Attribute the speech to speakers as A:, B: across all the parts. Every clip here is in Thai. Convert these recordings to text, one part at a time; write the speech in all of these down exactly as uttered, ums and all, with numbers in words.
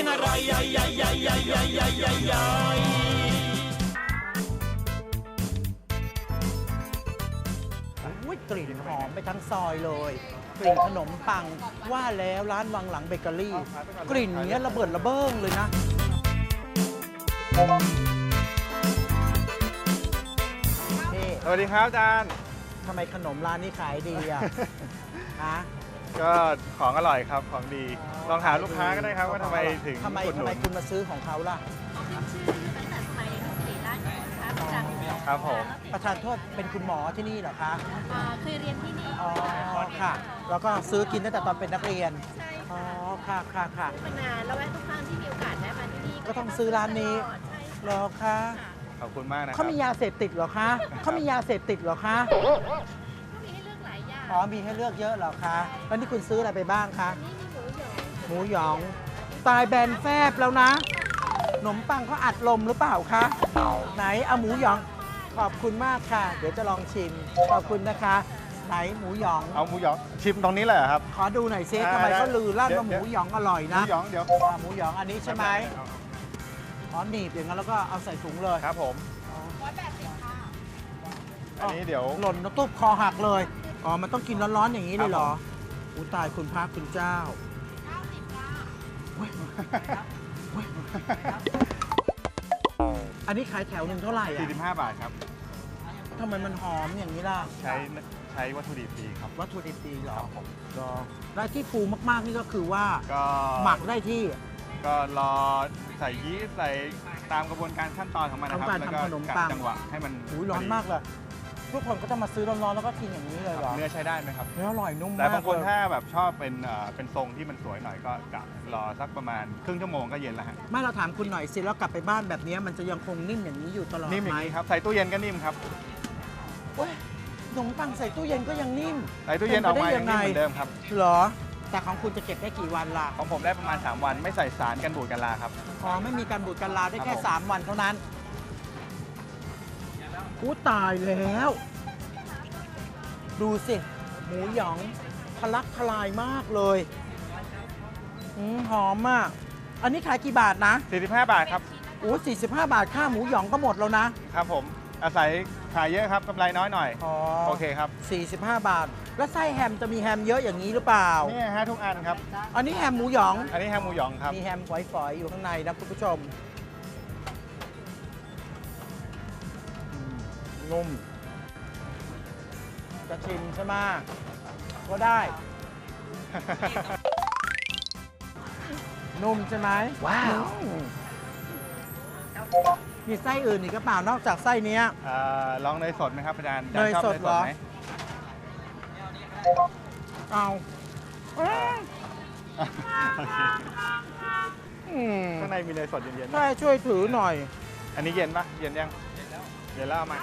A: อร่อยย่อยย่อยย่อยย่อยย่อยย่อยย่อยย่อย
B: อุ้ยกลิ่นหอมไปทั้งซอยเลยกลิ่นขนมปังว่าแล้วร้านวังหลังเบเกอรี่กลิ่นเนี้ยระเบิดระเบ้งเลยนะนี่
C: สวัสดีครับอาจารย์
B: ทำไมขนมร้านนี้ขายดีอ่ะ ฮะ
C: ก็ของอร่อยครับของดีลองถามลูกค้าก็ได้ครับว่าทำไมถึง
B: ทำไม
C: อุดห
B: ทำ
C: นุ
B: ไม
C: น
B: คุณมาซื้อของเขาล่ะ
D: เขาขึ้นชื่อตั้งแต่สมัยสีราชนะคะประจักษ์
C: ครับผม
B: ประธานโทษเป็นคุณหมอที่นี่เหรอคะ
D: อ่าเคยเรียนที่นี่
B: อ๋อค่ะ แล้วก็ซื้อกินตั้งแต่ตอนเป็นนักเรียน
D: ใช่
B: อ๋อ
D: ค่ะ
B: ค่ะค่ะค่ะ
D: มานานแล้วแวะทุกครั้งที่มีโอกาสได้มาที่นี่
B: ก็ต้องซื้อร้านนี้
D: ใช่
B: เหรอคะ
C: ขอบคุณมากนะครั
B: เขามียาเสพติดเหรอคะเขามียาเสพติดเหรอคะ
D: ก็มีให้เลือกหลายอย่าง
B: อ๋อ มีให้เลือกเยอะเหรอคะ แล้วนี่คุณซื้ออะไรไปบ้างคะ
D: อันนี้มีหมูหยอง
B: หมูหยอง ตายแบนแฟบแล้วนะ ขนมปังเขาอัดลมหรือเปล่าคะ ไหนเอาหมูหยอง ขอบคุณมากค่ะ เดี๋ยวจะลองชิม ขอบคุณนะคะ ไหนหมูหยอง
C: เอาหมูหยองชิมตรงนี้เลยเหรอครับ
B: ขอดูหน่อยซิ
C: ได้
B: ทำไม
C: ได้
B: เขาลือลั่น
C: เดี๋ยว
B: ว่าหมูหยองอร่อย
C: หมู
B: นะ
C: หยองเดี๋ยว
B: อ่าหมูหยองอันนี้ใช่ไหมอ๋อหนีบอย่างนั้นแล้วก็เอาใส่ถุงเลย
C: ครับผม อันนี้เดี๋ยว
B: หล่นแล้วตุ๊บคอหักเลย อ๋อ มันต้องกินร้อนๆอย่างนี้เลยเหรอ
C: ครับผม
B: อู้ตายคุณพระคุณเจ้าเว้ยเว้ยอันนี้ขายแถวหนึ่งเท่าไหร่อ่ะ
C: สี่สิบห้าบาทครับ
B: ทำไมมันหอมอย่างนี้ล่ะ
C: ใช้ใช้วัตถุดิบดีครับ
B: วัตถุดิบดีเหรอ
C: ครับผม
B: เหรอและที่ฟูมากๆนี่ก็คือว่า
C: ก็
B: หมักได้ที่
C: ก็รอใส่ยีสต์ใส่ตามกระบวนการขั้นตอนของมันนะครับ
B: ของการ
C: แล้ว
B: ทำ
C: ก็
B: ขนม
C: กะ
B: ปัง
C: จังหวะให้มัน
B: หูยร้อนมากเลย ทุกคนก็จะมาซื้อร้อนๆแล้วก็กินอย่างนี้เลยเหรอ
C: เนื้อใช้ได้ไหมครับ
B: เนื้ออร่อยนุ่มมาก
C: แต่บางคน
B: เลย
C: ถ้าแบบชอบเป็นเอ่อเป็นทรงที่มันสวยหน่อยก็กะรอสักประมาณครึ่งชั่วโมงก็เย็นแล้วฮะ
B: ไม่เราถามคุณหน่อยสิแล้วกลับไปบ้านแบบนี้มันจะยังคงนิ่มอย่างนี้อยู่ตลอด
C: นิ่มอ
B: ไหม
C: ย่างนี้ครับใส่ตู้เย็นก็นิ่มครับ
B: โอ้ยขนมปังใส่ตู้เย็นก็ยังนิ่ม
C: ใส่ตู้เย็นออกมา
B: เป็
C: ยั
B: น
C: ง
B: ไปได้
C: นิ่มเหมือนเดิมครับ
B: เหรอ แต่ของคุณจะเก็บได้กี่วันล่ะ
C: ของผมได้ประมาณสามวันไม่ใส่สารกันบูดกันลาครับ
B: อ๋อไม่มีการบูดการลาได้แค่
C: ครับผม
B: สามวันเท่านั้นอู้ตายแล้ว ดูสิ หมูหยองทะลักทลายมากเลยอืมหอมมาก อันนี้ขายกี่บาทนะ
C: สี่สิบห้าบาทครับ
B: โอ้สี่สิบห้าบาทค่าหมูหยองก็หมดแล้วนะ
C: ครับผมอาศัยขายเยอะครับกำไรน้อยหน่อย
B: อ๋อ
C: โอเคครับ
B: สี่สิบห้าบาท แล้วไส้แฮมจะมีแฮมเยอะอย่างนี้หรือเปล่า
C: นี่ฮะทุกอันครับ
B: อันนี้แฮมหมูหยอง
C: อันนี้แฮมหมูหยองครับ
B: มีแฮมฝอยๆ อยู่ข้างในนะคุณผู้ชมอืมนุ่ม จะชิมใช่ไหมก็ได้ นุ่มใช่ไหมว้าวมีไส้อื่นอีกหรือเปล่านอกจากไส้เนี้ย
C: เอ่อลองเนยสดไหมครับอาจารย์
B: เนยสดเหรอ
C: ไหม
B: เอาเอ้ย
C: โอเค
B: อืม
C: ข้างในมีเนยสดเย็นๆ
B: ใช่
C: นะ
B: ช่วยถือหน่อย
C: อันนี้เย็นปะเย็นยังเย็นแล้วเอามา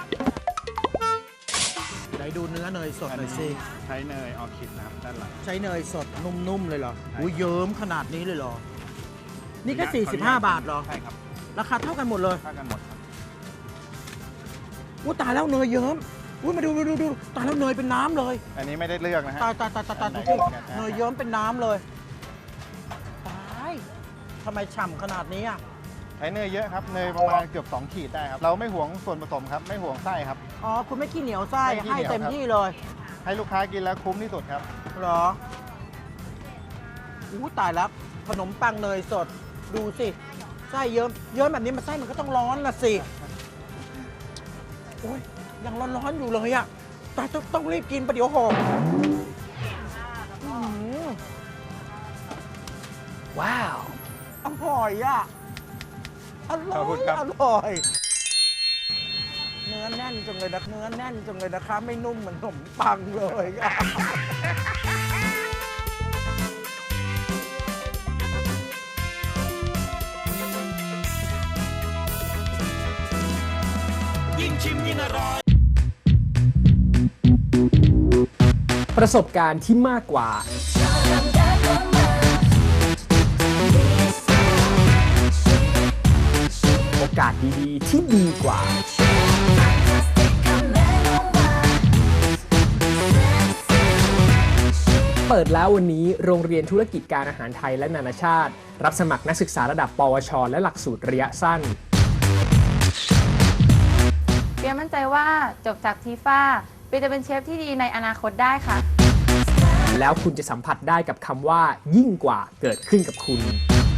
B: ไหนดูเนื้อเนยสดหน่อยสิ
C: ใช้เนยออคิดนะครับด้านหลัง
B: ใช้เนยสดนุ่มๆเลยเหรอ
C: ใช่
B: อุ้ยเยิ้มขนาดนี้เลยเหรอ นี่แค่สี่สิบห้าบาทเหรอ
C: ใช่ครับ
B: ราคาเท่ากันหมดเลย
C: เท่ากันหมดครับ
B: อุ้ยตายแล้วเนยเยิ้มอุ้ยมาดูดูดูดูตายแล้วเนยเป็นน้ำเลย
C: อันนี้ไม่ได้เลือกนะฮะ
B: ตายตายตายตายตาย
C: อันไหน
B: ดูสิ
C: ก็เหมือนกัน
B: เนยเยิ้มเป็นน้ำเลย ตายทำไมฉ่ำขนาดนี้อ่ะ
C: ใช้เนยเยอะครับ เนยประมาณเกือบสองขีดได้ครับ เราไม่หวงส่วนผสมครับ ไม่หวงไส้ครับ
B: อ๋อ คุณไม่ขี้เหนียวไส้
C: ไม่ขี้
B: ให้
C: เหนียว
B: เต็ม
C: ครับ
B: ที่เลย
C: ให้ลูกค้ากินแล้วคุ้มที่สุดครับ
B: เหรออู้ตายแล้ว ขนมปังเนยสด ดูสิ ไส้เยิ้มเยิ้มแบบนี้มันไส้มันก็ต้องร้อนละสิโอ้ยยังร้อนๆอยู่เลยอะแต่ต้องต้องรีบกินประเดี๋ยวหกอื้อหือว้าว อร่อยอะอร่
C: ขอบคุ
B: อย
C: ณครับ
B: อร่อย เนื้อแน่นจังเลยนะ เนื้อแน่นจังเลยนะคะ ไม่นุ่มเหมือนขนมปังเลยอะ
A: ยิ่งชิมยิ่งอร่อย
E: ประสบการณ์ที่มากกว่า โอกาสดีๆที่ดีกว่า คเปิดแล้ววันนี้โรงเรียนธุรกิจการอาหารไทยและนานาชาติรับสมัครนักศึกษาระดับปวชและหลักสูตรระยะสั้น
F: เปียมั่นใจว่าจบจากทีฟ้าเปียจะเป็นเชฟที่ดีในอนาคตได้ค่ะ
E: แล้วคุณจะสัมผัสได้กับคำว่ายิ่งกว่าเกิดขึ้นกับคุณ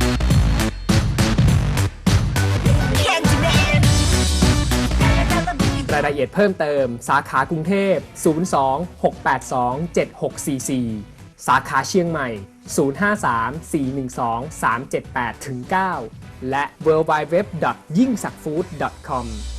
E: รายละเอียดเพิ่มเติมสาขากรุงเทพศูนย์ สอง หก แปด สอง เจ็ด หก สี่ สี่สาขาเชียงใหม่ศูนย์ ห้า สาม สี่ หนึ่ง สอง สาม เจ็ด แปด เก้า และ ดับเบิลยู ดับเบิลยู ดับเบิลยู ดอท ยิ่งสักฟู้ด ดอท คอม